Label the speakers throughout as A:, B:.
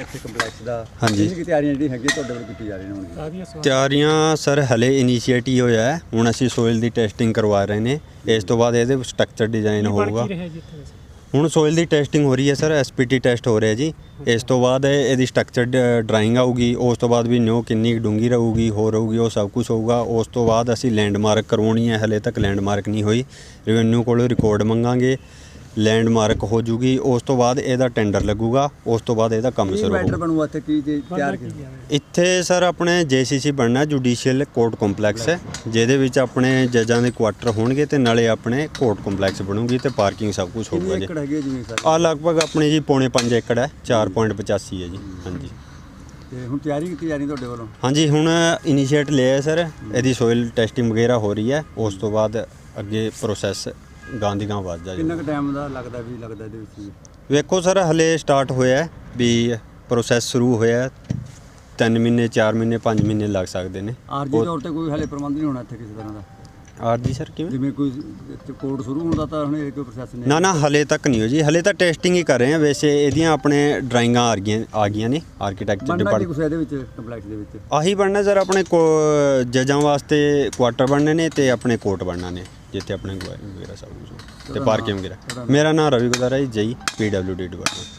A: ਇੱਥੇ ਕੰਪਲੈਕਸ ਦਾ
B: ਹਾਂਜੀ।
A: ਕਿੰਨੀ ਕੁ ਤਿਆਰੀਆਂ ਜਿਹੜੀ ਹੈਗੀ ਤੁਹਾਡੇ ਵੱਲੋਂ ਕੀਤੀ ਜਾ ਰਹੀਆਂ ਹੋਣਗੀਆਂ?
B: ਤਿਆਰੀਆਂ ਸਰ ਹਲੇ ਇਨੀਸ਼ੀਏਟ ਹੀ ਹੋਇਆ ਹੈ। ਹੁਣ ਅਸੀਂ ਸੋਇਲ ਦੀ ਟੈਸਟਿੰਗ ਕਰਵਾ ਰਹੇ ਨੇ। ਇਸ ਤੋਂ ਬਾਅਦ ਇਹਦੇ ਸਟਰਕਚਰ ਡਿਜ਼ਾਈਨ ਹੋਊਗਾ। ਹੁਣ ਸੋਇਲ ਦੀ ਟੈਸਟਿੰਗ ਹੋ ਰਹੀ ਹੈ ਸਰ, ਐਸਪੀਟੀ ਟੈਸਟ ਹੋ ਰਿਹਾ ਜੀ। ਇਸ ਤੋਂ ਬਾਅਦ ਇਹਦੀ ਸਟਰਕਚਰ ਡਰਾਇੰਗ ਆਊਗੀ। ਉਸ ਤੋਂ ਬਾਅਦ ਵੀ ਨਿਓ ਕਿੰਨੀ ਡੂੰਗੀ ਰਹੂਗੀ, ਹੋਰ ਰਹੂਗੀ, ਉਹ ਸਭ ਕੁਝ ਹੋਊਗਾ। ਉਸ ਤੋਂ ਬਾਅਦ ਅਸੀਂ ਲੈਂਡਮਾਰਕ ਕਰਵਾਉਣੀ ਹੈ। ਹਲੇ ਤੱਕ ਲੈਂਡਮਾਰਕ ਨਹੀਂ ਹੋਈ। ਰੈਵਨਿਊ ਕੋਲੋਂ ਰਿਕਾਰਡ ਮੰਗਾਂਗੇ, ਲੈਂਡਮਾਰਕ ਹੋ ਜੂਗੀ। ਉਸ ਤੋਂ ਬਾਅਦ ਇਹਦਾ ਟੈਂਡਰ ਲੱਗੂਗਾ। ਉਸ ਤੋਂ ਬਾਅਦ ਇਹਦਾ ਕੰਮ ਸ਼ੁਰੂ
A: ਮੈਟਰ
B: ਹੋਊਗਾ।
A: ਬਣੂਗਾ ਇੱਥੇ ਕੀ ਤਿਆਰ
B: ਇੱਥੇ ਸਰ ਆਪਣੇ ਜੇਸੀਸੀ ਬਣਨਾ, ਜੁਡੀਸ਼ੀਅਲ ਕੋਰਟ ਕੰਪਲੈਕਸ ਹੈ, ਜਿਹਦੇ ਵਿੱਚ ਆਪਣੇ ਜੱਜਾਂ ਦੇ ਕੁਆਟਰ ਹੋਣਗੇ ਤੇ ਨਾਲੇ ਆਪਣੇ ਕੋਰਟ ਕੰਪਲੈਕਸ ਬਣੂਗੀ ਤੇ ਪਾਰਕਿੰਗ ਸਭ ਕੁਝ ਹੋਊਗਾ ਜੀ।
A: ਏਕੜ ਹੈਗੀ ਜ਼ਮੀਨ ਸਰ?
B: ਆ ਲਗਭਗ ਆਪਣੀ ਜੀ 5.5 ਏਕੜ ਹੈ, 4.85 ਹੈ ਜੀ। ਹਾਂਜੀ
A: ਤੇ ਹੁਣ ਤਿਆਰੀ ਕੀਤੀ ਜਾ ਰਹੀ ਤੁਹਾਡੇ ਵੱਲੋਂ?
B: ਹਾਂਜੀ, ਹੁਣ ਇਨੀਸ਼ੀਏਟ ਲਿਆ ਸਰ। ਇਹਦੀ ਸੋਇਲ ਟੈਸਟਿੰਗ ਵਗੈਰਾ ਹੋ ਰਹੀ ਹੈ। ਉਸ ਤੋਂ ਬਾਅਦ ਅੱਗੇ ਪ੍ਰੋਸੈਸ ਗਾਂ ਦੀ ਗਾਂ ਵੱਧ ਜਾ
A: ਕਿੰਨਾ ਕੁ ਟਾਈਮ ਦਾ ਲੱਗਦਾ ਇਹਦੇ ਵਿੱਚ?
B: ਵੇਖੋ ਸਰ, ਹਲੇ ਸਟਾਰਟ ਹੋਇਆ ਵੀ ਪ੍ਰੋਸੈਸ ਸ਼ੁਰੂ ਹੋਇਆ। 3 ਮਹੀਨੇ 4 ਮਹੀਨੇ 5 ਮਹੀਨੇ ਲੱਗ ਸਕਦੇ ਨੇ।
A: ਆਰਜੀ ਤੌਰ ਤੇ ਕੋਈ ਹਲੇ ਪ੍ਰਬੰਧ ਨਹੀਂ ਹੋਣਾ ਇੱਥੇ ਕਿਸੇ ਤਰ੍ਹਾਂ ਦਾ?
B: ਆਰਜੀ ਸਰ ਕਿਵੇਂ?
A: ਜਿਵੇਂ ਕੋਈ ਕੋਰਟ ਸ਼ੁਰੂ ਹੁੰਦਾ ਤਾਂ ਹੁਣ ਇਹ ਕੋਈ ਪ੍ਰੋਸੈਸ ਨਹੀਂ?
B: ਨਾ ਹਲੇ ਤੱਕ ਨਹੀਂ ਹੋ ਜੀ। ਹਲੇ ਤਾਂ ਟੈਸਟਿੰਗ ਹੀ ਕਰ ਰਹੇ ਹਾਂ। ਵੈਸੇ ਇਹਦੀਆਂ ਆਪਣੇ ਡਰਾਇੰਗਾਂ ਆ ਗਈਆਂ ਨੇ ਆਰਕੀਟੈਕਚਰ ਡਿਪਾਰਟਮੈਂਟ।
A: ਕੁਛ ਇਹਦੇ ਵਿੱਚ ਕੰਪਲੈਕਸ ਦੇ ਵਿੱਚ
B: ਆਹੀ ਬਣਨਾ ਸਰ, ਆਪਣੇ ਜੱਜਾਂ ਵਾਸਤੇ ਕੁਆਟਰ ਬਣਨੇ ਨੇ ਤੇ ਆਪਣੇ ਕੋਰਟ ਬਣਨਾ ਨੇ, ਜਿੱਥੇ ਆਪਣੇ ਗਵਾਹੀ ਵਗੈਰਾ ਸਭ ਕੁਝ ਤੇ ਪਾਰਕਿੰਗ ਵਗੈਰਾ। ਮੇਰਾ ਨਾਮ ਰਵੀ ਗੁਦਾਰਾ ਹੈ ਜੀ, PWD ਡਿਪਾਰਟਮੈਂਟ।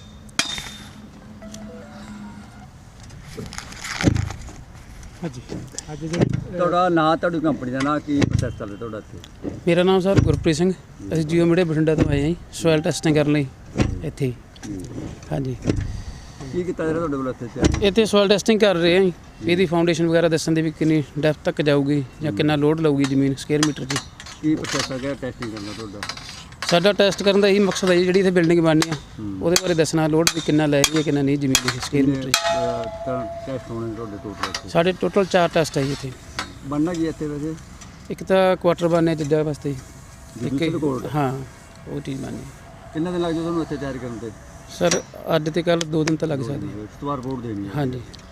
A: ਤੁਹਾਡਾ ਨਾਂ, ਤੁਹਾਡੀ ਕੰਪਨੀ ਦਾ ਨਾਂ, ਕੀ ਪ੍ਰੋਸੈਸ ਚੱਲ ਰਿਹਾ ਤੁਹਾਡਾ ਇੱਥੇ?
C: ਮੇਰਾ ਨਾਮ ਸਰ ਗੁਰਪ੍ਰੀਤ ਸਿੰਘ। ਅਸੀਂ ਜੀਓ ਮੀਡੀਆ ਬਠਿੰਡਾ ਤੋਂ ਆਏ ਹਾਂ ਜੀ, ਸੋਇਲ ਟੈਸਟਿੰਗ ਕਰਨ ਲਈ ਇੱਥੇ। ਹਾਂਜੀ,
A: ਕੀ ਕੀਤਾ ਜਾ ਰਿਹਾ ਤੁਹਾਡੇ ਵੱਲੋਂ ਇੱਥੇ?
C: ਇੱਥੇ ਸੋਇਲ ਟੈਸਟਿੰਗ ਕਰ ਰਹੇ ਹਾਂ ਜੀ। ਇਹਦੀ ਫਾਊਂਡੇਸ਼ਨ ਵਗੈਰਾ ਦੱਸਣ ਦੀ ਵੀ ਕਿੰਨੀ ਡੈਪਥ ਤੱਕ ਜਾਊਗੀ ਜਾਂ ਕਿੰਨਾ ਲੋਡ ਲਊਗੀ ਜ਼ਮੀਨ ਸਕੁਅਰ ਮੀਟਰ 'ਚ।
A: ਕੀ ਪ੍ਰੋਸੈਸ ਹੈਗਾ ਟੈਸਟਿੰਗ ਕਰਨ ਦਾ ਤੁਹਾਡਾ?
C: ਸਾਡਾ ਟੈਸਟ ਕਰਨ ਦਾ ਇਹੀ ਮਕਸਦ ਹੈ ਜੀ, ਜਿਹੜੀ ਇੱਥੇ ਬਿਲਡਿੰਗ ਬਣਨੀ ਆ ਉਹਦੇ ਬਾਰੇ ਦੱਸਣਾ, ਲੋਡ ਵੀ ਕਿੰਨਾ ਲੈ ਰਹੀ ਹੈ ਕਿੰਨਾ ਨਹੀਂ ਜ਼ਮੀਨ ਦੀ ਸਕੁਅਰ ਮੀਟਰ 'ਚ।
A: ਟੈਸਟ ਹੋਣੇ ਤੁਹਾਡੇ ਟੋਟਲ?
C: ਸਾਡੇ ਟੋਟਲ 4 ਟੈਸਟ ਹੈ ਜੀ ਇੱਥੇ।
A: ਬਣਨਾ ਕੀ ਇੱਥੇ ਵੈਸੇ?
C: ਇੱਕ ਤਾਂ ਕੁਆਟਰ ਬਣਨੇ ਜੱਜਾਂ ਵਾਸਤੇ ਜੀ।
A: Judicial court?
C: ਹਾਂ, ਉਹ ਚੀਜ਼ ਬਣਨੀ।
A: ਕਿੰਨਾ ਦਿਨ ਲੱਗ ਜਾਊ ਤੁਹਾਨੂੰ ਇੱਥੇ ਤਿਆਰ ਕਰਨ ਤੇ?
C: ਸਰ ਅੱਜ ਤੇ ਕੱਲ੍ਹ 2 ਦਿਨ ਤਾਂ ਲੱਗ ਸਕਦੇ।
A: ਉਸ ਤੋਂ ਬਾਅਦ ਰਿਪੋਰਟ ਦੇਣੀ ਹੈ?
C: ਹਾਂਜੀ।